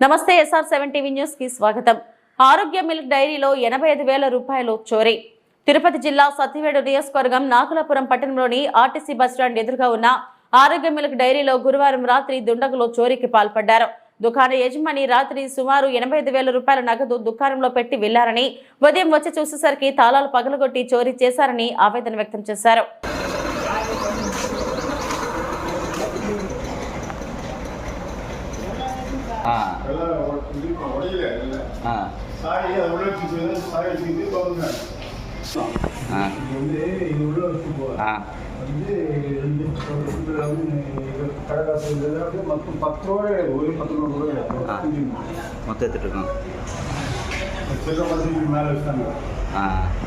నమస్తే SR7 TV news కి స్వాగతం. ఆరోగ్య మిల్క్ డైరీలో 85,000 రూపాయలు చోరీ. తిరుపతి జిల్లా సత్యవేడు నియోజకవర్గం నాకులాపురం పట్టణంలోని ఆర్టీసీ బస్టాండ్ ఎదురుగా ఉన్న ఆరోగ్య మిల్క్ డైరీలో గురువారం రాత్రి దుండగులు చోరీకి పాల్పడ్డారు. దుకాణ యజమాని రాత్రి సుమారు 85,000 రూపాయల నగదు దుకాణంలో పెట్టి వెళ్లారని, ఉదయం వచ్చి చూసేసరికి తాళాలు పగలగొట్టి చోరీ చేశారని ఆవేదన వ్యక్తం చేశారు. మొత్తం